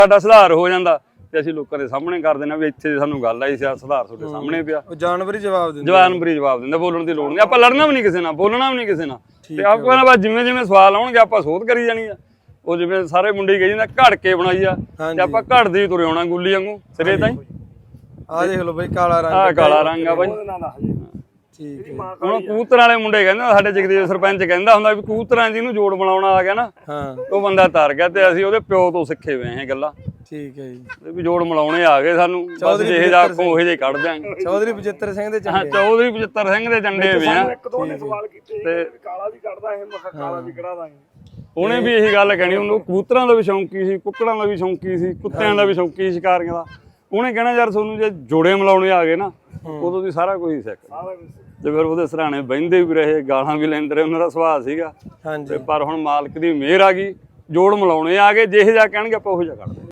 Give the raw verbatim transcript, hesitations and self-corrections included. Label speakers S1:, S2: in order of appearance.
S1: ਸਾਡਾ ਸੁਧਾਰ ਹੋ ਜਾਂਦਾ ਤੇ ਅਸੀਂ ਲੋਕਾਂ ਦੇ ਸਾਹਮਣੇ ਕਰ ਦੇਣਾ ਵੀ ਇੱਥੇ ਸਾਨੂੰ ਗੱਲ ਆਈ ਸੀ, ਸੁਧਾਰ ਤੁਹਾਡੇ ਸਾਹਮਣੇ ਪਿਆ।
S2: ਉਹ ਜਾਨਵਰ ਹੀ ਜਵਾਬ ਦਿੰਦੇ,
S1: ਜਾਨਵਰ ਹੀ ਜਵਾਬ ਦਿੰਦਾ, ਬੋਲਣ ਦੀ ਲੋੜ ਨਹੀਂ। ਆਪਾਂ ਲੜਨਾ ਵੀ ਨਹੀਂ ਕਿਸੇ ਨਾਲ, ਬੋਲਣਾ ਵੀ ਨਹੀਂ ਕਿਸੇ ਨਾਲ, ਤੇ ਆਪਾਂ ਨਾ ਬਸ ਜਿਵੇਂ ਜਿਵੇਂ ਸਵਾਲ ਆਉਣਗੇ ਆਪਾਂ ਸੋਧ ਕਰੀ ਜਾਣੀ ਆ। ਉਹ ਜਿਵੇਂ ਸਾਰੇ ਮੁੰਡੇ ਕਹੀ ਜਾਂਦਾ ਘੜ ਕੇ ਬਣਾਈ ਆ, ਤੇ ਆਪਾਂ ਘੜਦੇ ਹੀ ਤੁਰੇ ਆਉਣਾ ਗੁੱਲੀ ਵਾਂਗੂ ਸਿਰੇ ਤਾਈਂ।
S2: ਆਹ ਦੇਖ ਲਓ ਬਈ ਕਾਲਾ ਰੰਗ,
S1: ਆਹ ਕਾਲਾ ਰੰਗ ਆ ਬਾਈ।
S2: ਠੀਕ ਹੈ।
S1: ਹੁਣ ਕਬੂਤਰਾਂ ਵਾਲੇ ਮੁੰਡੇ ਕਹਿੰਦੇ ਸਾਡੇ ਜਗਦੀਪ ਸਰਪੰਚ ਕਹਿੰਦਾ ਹੁੰਦਾ ਵੀ ਕਬੂਤਰਾਂ ਜਿਹਨੂੰ ਜੋੜ ਬਣਾਉਣਾ ਆ ਗਿਆ ਨਾ,
S2: ਹਾਂ
S1: ਉਹ ਬੰਦਾ ਤਰ ਗਿਆ। ਤੇ ਅਸੀਂ ਉਹਦੇ ਪਿਓ ਤੋਂ ਸਿੱਖੇ ਹੋਏ ਇਹ ਗੱਲਾਂ।
S2: ਠੀਕ ਹੈ ਜੀ,
S1: ਵੀ ਜੋੜ ਮਿਲਾਉਣੇ ਆ ਗਏ ਸਾਨੂੰ, ਬਸ ਜਿਹੇ ਜਾ ਅੱਖੋਂ ਉਹੇ ਜਿਹੇ ਕੱਢ ਦਿਆਂਗੇ।
S2: ਚੌਧਰੀ ਬਚਿੱਤਰ ਸਿੰਘ ਦੇ
S1: ਹਾਂ, ਚੌਧਰੀ ਬਚਿੱਤਰ ਸਿੰਘ ਦੇ ਚੰਡੇ ਵੀ ਆ।
S3: ਇੱਕ ਦੋ ਨੇ ਸਵਾਲ ਕੀਤੇ ਤੇ ਕਾਲਾ ਵੀ ਕੱਢਦਾ ਇਹ, ਮੈਂ ਕਿਹਾ ਕਾਲਾ ਵੀ ਕਢਾ ਦਾਂਗੇ।
S1: ਉਹਨੇ ਵੀ ਇਹੀ ਗੱਲ ਕਹਿਣੀ, ਉਹਨੂੰ ਕਬੂਤਰਾਂ ਦਾ ਵੀ ਸ਼ੌਂਕੀ ਸੀ, ਕੁੱਕੜਾਂ ਦਾ ਵੀ ਸ਼ੌਂਕੀ ਸੀ, ਕੁੱਤਿਆਂ ਦਾ ਵੀ ਸ਼ੌਂਕੀ ਸੀ, ਸ਼ਿਕਾਰੀਆਂ ਦਾ। ਉਹਨੇ ਕਹਿਣਾ ਯਾਰ ਤੁਹਾਨੂੰ ਜੇ ਜੋੜੇ ਮਿਲਾਉਣੇ ਆ ਗਏ ਨਾ, ਉਦੋਂ ਦੀ ਸਾਰਾ ਕੁਝ ਹੀ ਸਿੱਖ। ਤੇ ਫਿਰ ਉਹਦੇ ਸਰਾਣੇ ਬਹਿੰਦੇ ਵੀ ਰਹੇ, ਗਾਲਾਂ ਵੀ ਲੈਂਦੇ ਰਹੇ, ਉਹਨਾਂ ਦਾ ਸੁਭਾਅ ਸੀਗਾ।
S2: ਹਾਂਜੀ,
S1: ਪਰ ਹੁਣ ਮਾਲਕ ਦੀ ਮਿਹਰ ਆ ਗਈ, ਜੋੜ ਮਿਲਾਉਣੇ ਆ ਗਏ, ਜਿਹੇ ਜਾ ਕਹਿਣਗੇ ਆਪਾਂ ਉਹੋ ਜਿਹਾ ਕੱਢਦੇ।